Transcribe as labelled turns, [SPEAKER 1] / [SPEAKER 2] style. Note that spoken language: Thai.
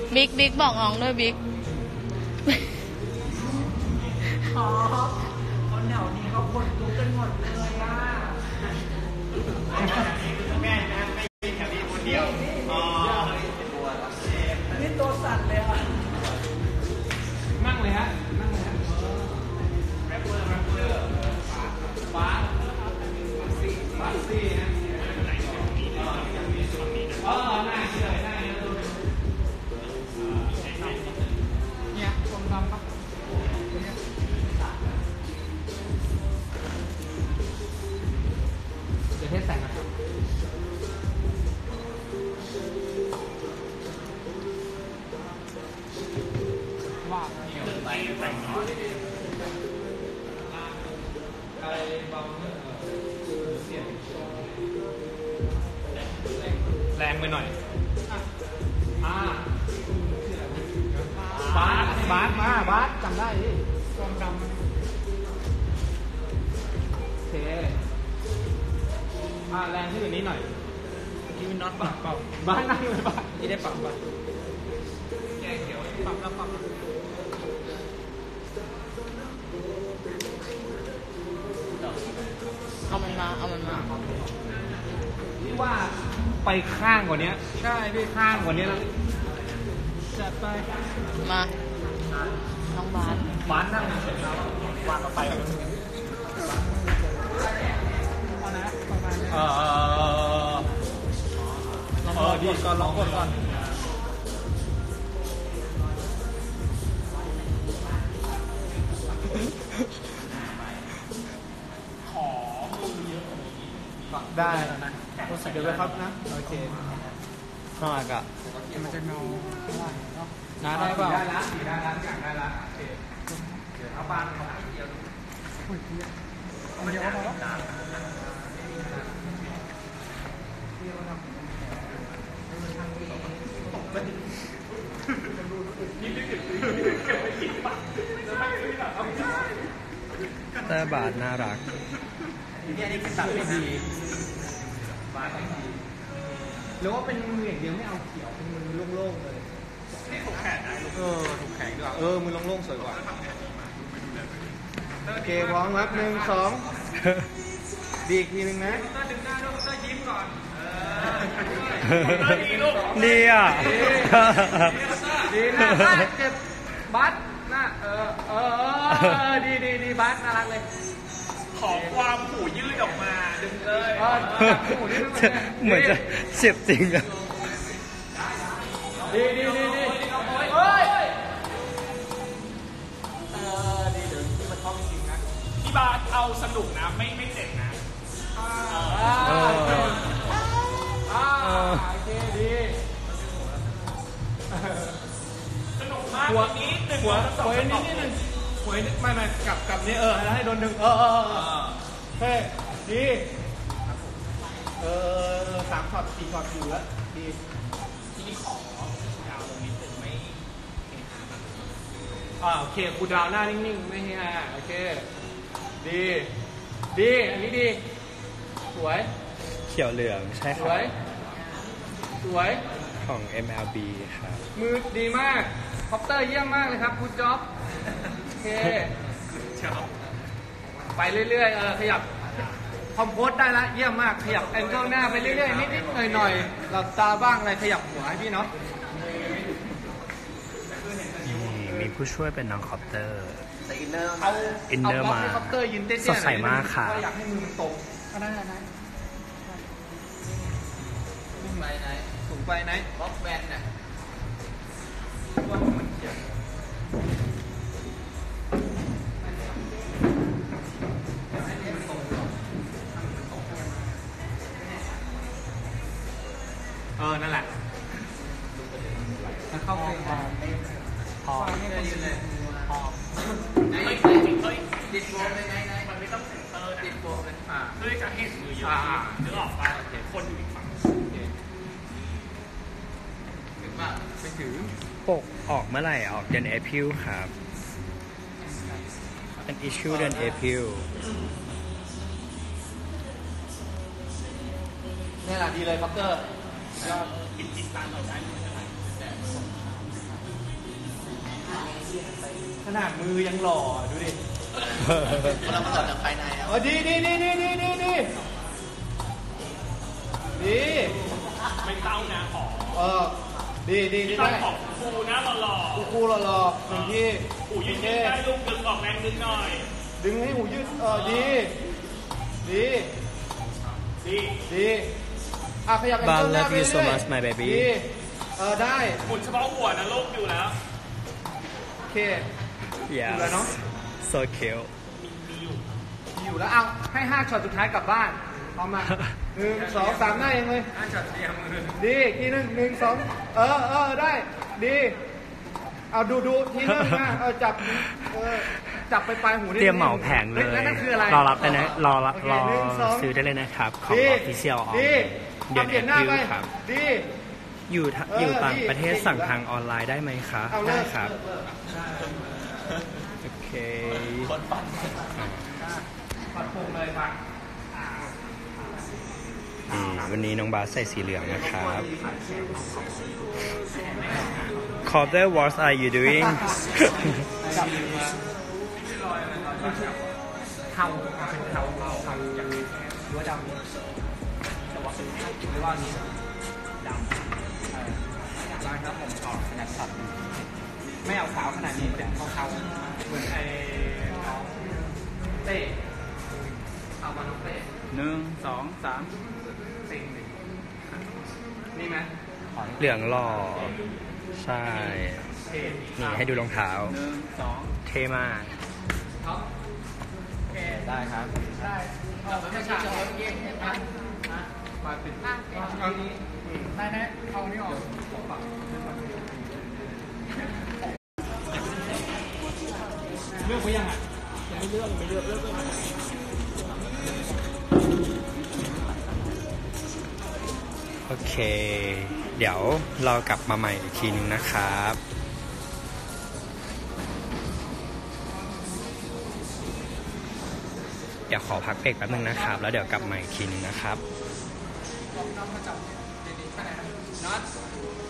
[SPEAKER 1] บิ๊กบอกน้องด้วยบิ๊ก
[SPEAKER 2] อ๋อคนแถวนี้เขาคนลุกกันหมดเลยอ่ะ
[SPEAKER 3] แม่นะไม่ใช่แถวนี้คนเดียวอ๋อ
[SPEAKER 2] นี่ตัวสั่นเลยอ่ะนั่งเลยฮะนั่งเลยฮะ
[SPEAKER 3] แรปเปอร์
[SPEAKER 2] ฟ้าซี่ฮะหน้าเลยหน้าเนี่ยชมดำครับเดี๋ยวเทสแสงนะครับว่า
[SPEAKER 3] ไปแต่งน้อย
[SPEAKER 2] อะไรบางเสียงแรงไปหน่อยบาสมาบาสจำได้ดิความดำโอเคแรงขึ้นกว่านี้หน่อยนี่มันน็อตปรับบ้านนั่งเลยบ้านนี่ได้ปรับบ้านแก้เขียวปรับแล้วปรับ
[SPEAKER 1] เอามันมา
[SPEAKER 2] ที่ว่าไปข้างกว่านี้ใช่พี่ข้างกว่านี้แล้วจัดไป
[SPEAKER 1] มาน้องบาส
[SPEAKER 2] นั่งเสร็จแล้ววางก็ไปดีก่อนลองก่อนขอมือเยอะได้เดี๋ยวไปครับนะโอเค
[SPEAKER 3] ข้างหลังอะ
[SPEAKER 2] มันจะเงาน้าได้ป่ะได้ละอยากได้ละโอเคเดี๋ยวเอาบ้านเขาเดียวเดี๋ยวเอาแล้ว
[SPEAKER 3] แต่บาทน่ารัก
[SPEAKER 2] นี่เป็นตัดไม่ดีบาทไม่ดีหรือว่าเป็นมืออย่างเดียวไม่เอาเขียวเป็นมือโล่งๆเลยนี่ถูกแขนได้ถูกแขนดีกว่ามือโล่งๆสวยกว่าโอเคพร้อมครับ1 2ดีอีกทีนึงนะดึงหน้าลูกยิ้มก่อน
[SPEAKER 3] ดีอ่ะ
[SPEAKER 2] ดีหน้าเจ็บบัสหน้าดีบัสน่ารักเลยขอความหูยืดออกมาดึงเลย
[SPEAKER 3] เหมือนจะเจ็บจริงอ่ะ
[SPEAKER 2] ดีเฮ้ยดีเดี๋ยวที่มันชอบจริงนะพี่บาสเอาสนุกนะไม่เจ็บนะโอเคดีสนุกมากวันนี้หัวนิดนึงหัวไม่กลับนี่แล้วให้โดนดึงเฮ้ดี3 ช็อต 4 ช็อตอยู่แล้วดีทีนี้ขอดาวลงนิดนึงไม่โอเคกูดาวหน้านิ่งๆไม่ให้โอเคดีอันนี้ดีสวย
[SPEAKER 3] เขียวเหลืองใช่ครับ
[SPEAKER 2] สวย
[SPEAKER 3] ของ MLB ครับ
[SPEAKER 2] มือดีมากคอปเตอร์เยี่ยมมากเลยครับคุณจ๊อบโอเคไปเรื่อยๆขยับคอมโพสได้ละเยี่ยมมากขยับแองเกิลหน้าไปเรื่อยๆนิดๆหน่อยๆหลับตาบ้างอะไรขยับหัวให้พี่เนาะ
[SPEAKER 3] มีผู้ช่วยเป็นน้องคอปเตอร์
[SPEAKER 2] อินเนอร์มา
[SPEAKER 3] สดใสมากค่ะ
[SPEAKER 2] อยากให้มือมันตรงก็ได้สูงไปไหนบล็อกแบนน่ะว่ามันเขียนนั่นแหละแล้วเข้าเพลงพอติดโบว์ไหนมันไม่ต้องเซ็นเตอร์ติดโบว์เลยเพื่อจะให้มือเยอะนึกออกป่ะคนอยู่อีกฝั่งถึงป่ะไปถึง
[SPEAKER 3] ปกออกเมื่อไหร่ออกเดือน April ครับเป็น issue เดือน April
[SPEAKER 2] นี่แหละดีเลยพักเกอร์ยอด
[SPEAKER 3] กินตามเราได้
[SPEAKER 2] ขนาดมือยังหล่อดูดิเรามาหล่อจากภายในดี
[SPEAKER 4] ไม่เต้านะขอ
[SPEAKER 2] ดีได้
[SPEAKER 4] ของครูนะหล่อ
[SPEAKER 2] ครูหล่อหนึ่งที่
[SPEAKER 4] หูยืดได้ลูกดึงออกแรงดึงหน่อย
[SPEAKER 2] ดึงให้หูยืดดีขยับ
[SPEAKER 3] Bal love you so much my baby
[SPEAKER 2] ได้
[SPEAKER 4] หมุนเฉพาะหัวนะลูกอยู่แล้ว
[SPEAKER 2] โอเค
[SPEAKER 3] yes
[SPEAKER 2] แล้วเนาะ
[SPEAKER 3] so cute
[SPEAKER 4] มี
[SPEAKER 2] อยู่แล้วเอาให้5ช็อตสุดท้ายกลับบ้านพร้อมมา1 2 3ได้เองเลย5ช็อตเตรียมมือดีทีนึง1 2ได้ดีเอาดูทีนึงนะจับไปปลายหู
[SPEAKER 3] เตรียมเหมาแผงเลย
[SPEAKER 2] นั่นคืออะไร
[SPEAKER 3] รอรับได้นะรอซื้อได้เลยนะครับของ Official เดี๋ยวนี้ครับอยู่ต่างประเทศสั่งทางออนไลน์ได้ไหมคะได้ครับโอเค
[SPEAKER 2] ปัดโป่งเลยปัด
[SPEAKER 3] วันนี้น้องบาสใส่สีเหลืองนะครับCopter what are you doing
[SPEAKER 2] เทาเป็นเทาอย่างรั้วดำแต่ว่าเป็นหรือว่านี้ดำร้านครับผมขอขนาดสัตว์ไม่เอาขาวขนาดนี้เป็นเทาๆเหมือนไอ้น้องเต้เอามาน้องเต้
[SPEAKER 3] 1 2 3
[SPEAKER 2] สิ่งหนึ่งนี่ไหม
[SPEAKER 3] เหลืองหล่อใช่นี่ให้ดูรองเท้าเท่มาก
[SPEAKER 2] ได้ครับได้เราไม่ใช่จะเอาเกมนะมาปิดเอานี้ได้นะเอานี้ออกเลือกไปยังอ่ะยังไม่เลือก
[SPEAKER 3] โอเคเดี๋ยวเรากลับมาใหม่อีกทีนึงนะครับเดี๋ยวขอพักเบรกแป๊บนึงนะครับแล้วเดี๋ยวกลับมาอีกทีนึงนะครับ
[SPEAKER 2] น็อต